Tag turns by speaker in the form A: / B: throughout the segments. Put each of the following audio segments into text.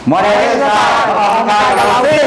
A: โมเดลศาสตร์ออกกำลังกายกับเราสิ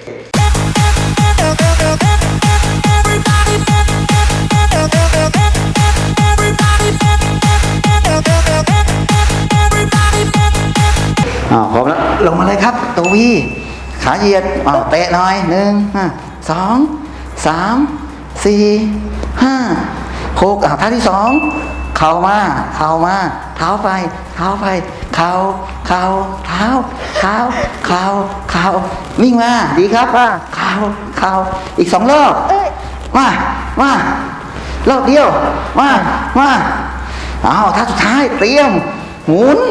A: พร้อมแล้วลงมาเลยครับตัววีขาเหยียดเตะหน่อย1 2 3 4 5 6ท่าที่2เข่ามาเท้าไปเท้าเท้าวิ่งมาดีครับเข่าอีก2รอบมารอบเดียวมาท่าสุดท้ายเตรียมหมุน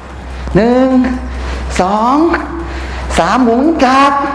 A: 1 2 3หมุนกลับ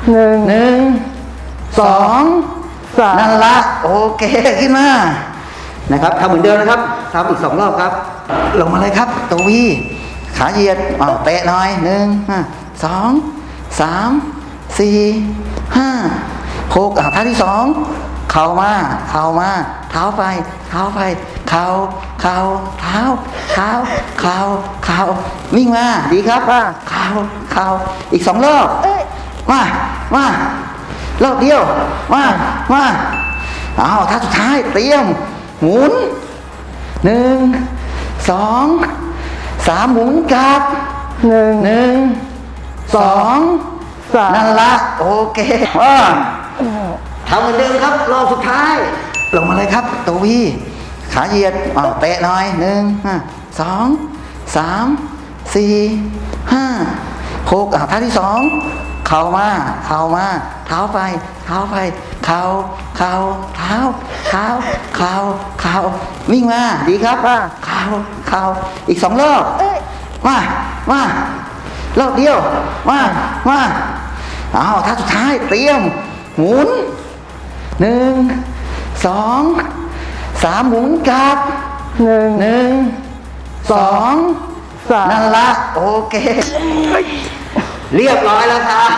A: 1 2 3นั่นละโอเคขึ้นมานะครับทำเหมือนเดิมนะครับทำอีก2รอบครับลงมาเลยครับตัววีขาเหยียดเตะหน่อย1 2 3 4 5 6ท่าที่2เข่ามาเท้าไปเท้าเท้าวิ่งมาดีครับเข่าอีก2รอบมารอบเดียวมาท่าสุดท้ายเตรียมหมุน1 2 3หมุนกลับ1 2 3นั่นละโอเคทำเหมือนเดิมครับรอบสุดท้ายลงมาเลยครับตัววีขาเหยียดเตะหน่อย1 2 3 4 5 6ท่าที่2เข่ามาเท้าไปเท้าเท้าวิ่งมาดีครับเข่าอีก2รอบมารอบเดียวมาท่าสุดท้ายเตรียมหมุน1 2 3หมุนกลับ1 2 3นั่นละโอเคเรียบร้อยแล้วครับ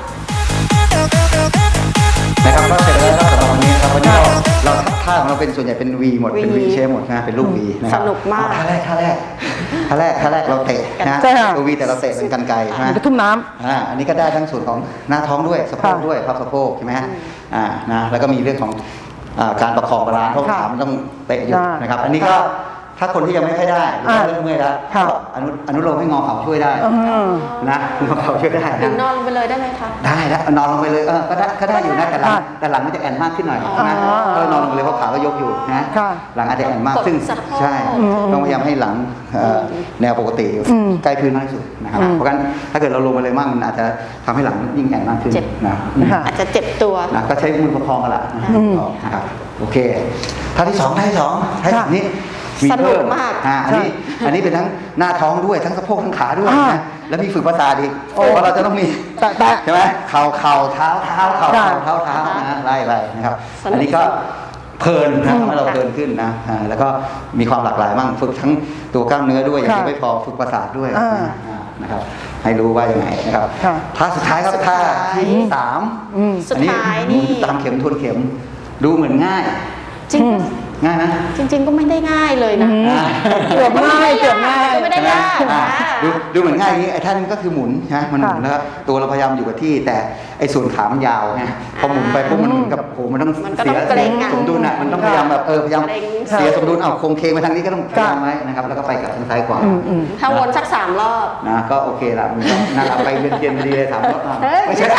A: นะครับก็เสร็จแล้วสำหรับวันนี้ครับวันนี้เราท่าของเราเป็นส่วนใหญ่เป็น V หมดเป็น V เชฟหมดนะเป็นรูป V นะครับ
B: สนุกมาก
A: ท่าแรกเราเตะนะตัว V แต่เราเตะเป็นกรรไกรนะ
C: กระทุ่มน้
A: ำอันนี้ก็ได้ทั้งส่วนของหน้าท้องด้วยสะโพกด้วยพับสะโพกใช่ไหมฮะนะแล้วก็มีเรื่องของการประคองบาลานซ์เพราะขามันต้องเตะอยู่นะครับอันนี้ก็ถ้าคนที่ยังไม่ค่อยได้หรือว่าเริ่มเมื่อยแล้วอนุโลมให้งอเข่าช่วยได้นะงอเข่าช่วยได้
B: หรือนอนลงไปเลยได้ไหมคะ
A: ได้แล้วนอนลงไปเลยก็ได้อยู่นะแต่หลังมันจะแอนมากขึ้นหน่อยนะก็นอนลงไปเลยเพราะขาก็ยกอยู่นะหลังอาจจะแอนมากซึ่งใช่ต้องพยายามให้หลังแนวปกติใกล้พื้นมากที่สุดนะครับเพราะงั้นถ้าเกิดเราลงไปเลยมากมันอาจจะทำให้หลังยิ่งแอนมากขึ้นนะ
B: อาจจะเจ็บตัว
A: นะก็ใช้มือประคองกันละนะครับโอเคท่าที่2นี้
B: สนุกมาก
A: อันนี้เป็นทั้งหน้าท้องด้วยทั้งสะโพกทั้งขาด้วยนะแล้วมีฝึกภาษาอีกเพราะเราจะต้องมีใช่ไหมเข่าเท้านะไล่นะครับอันนี้ก็เพลินนะทำให้เราเพลินขึ้นนะแล้วก็มีความหลากหลายมั่งฝึกทั้งตัวกล้ามเนื้อด้วยอย่างที่ไม่พอฝึกประสาทด้วยนะครับให้รู้ว่ายังไงนะครับท่าสุดท้ายครับท่าที่3
B: สุดท้ายนี่
A: ตามเข็มทวนเข็มดูเหมือนง่าย
B: จริง
A: ง่ายนะ
B: จริงๆก็ไม่ได้ง่ายเลยนะ
C: เกือบง่าย
B: ก็ไม่ได้ยาก
A: ดูเหมือนง่ายอย่างนี้ไอ้ท่านี้ก็คือหมุนนะมันหมุนแล้วตัวเราพยายามอยู่กับที่แต่ไอ้ส่วนขามันยาวไงพอหมุนไปปุ๊บมันเหมือนกับโหมันต้องเสียสมดุลอ่ะมันต้องพยายามแบบพยายามเสียสมดุลเอาโครงเคงไปทางนี้ก็ต้องพยายามไว้นะครับแล้วก็ไปกับทางซ้ายขวา
B: ถ้าวนสัก3 รอบ
A: นะก็โอเคละมันน่ารักไปเวียนๆดีเลย3 รอบไม่ใช่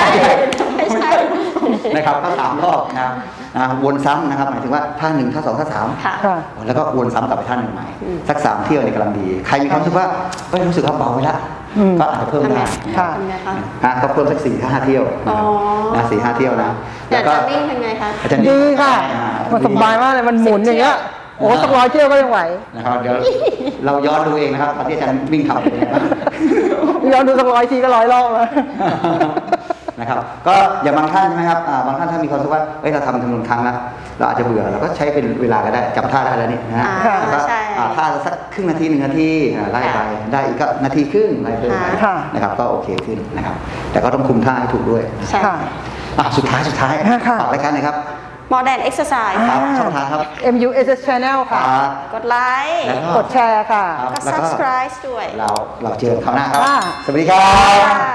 A: นะครับก็3 รอบนะวนซ้ำนะครับหมายถึงว่าท่า1ท่า2ท่า3แล้วก็วนซ้ำกลับไปท่า1ใหม่สัก3 เที่ยวเนี่ยกำลังดีใครมีความรู้สึกว่ารู้สึกว่าเบาไปละก็อาจจะเพิ่มได้ก็เพิ่มสัก4-5 เที่ยวนะ4-5 เที่ยวนะ
B: แล้วก็นิ่งเป็นไงคะ
C: ดีค่ะมันสบายมากเลยมันหมุนอย่างเงี้ยโอ้สัก100 เที่ยวก็ยังไหว
A: นะครับเดี๋ยวเราย้อนดูเองนะครับตอนที่อาจารย์วิ่งทำเป็นไงบ้าง
C: ย้อนดูสัก100 ทีก็100 รอบแล้ว
A: นะครับก็อย่างบางท่านใช่ไหมครับบางท่านถ้ามีความรู้สึกว่าเราทำจำนวนครั้งแล้วเราอาจจะเบื่อเราก็ใช้เป็นเวลาก็ได้จำท่าได้แล้วนี่นะแล้วก็ท่าสักครึ่งนาที1 นาทีไล่ไปได้อีกก็1 นาทีครึ่งไล่ไปนะครับก็โอเคขึ้นนะครับแต่ก็ต้องคุมท่าให้ถูกด้วย
B: ใช่
A: สุดท้ายฝากรายการหน่อยครับ
B: ห Modern Exercise
A: ครับช่องทางครับ
C: MUSS Channel ค่ะ
A: ครับ
B: กดไลค์
A: แล้ว
C: กดแชร์ค่ะ
A: ครับ
B: ก็
A: แล้วก็
B: subscribe ด้วย
A: เราเจอกันคราวหน้าครับ
C: ค่ะ
A: สวัสดีครับ
B: ค่ะ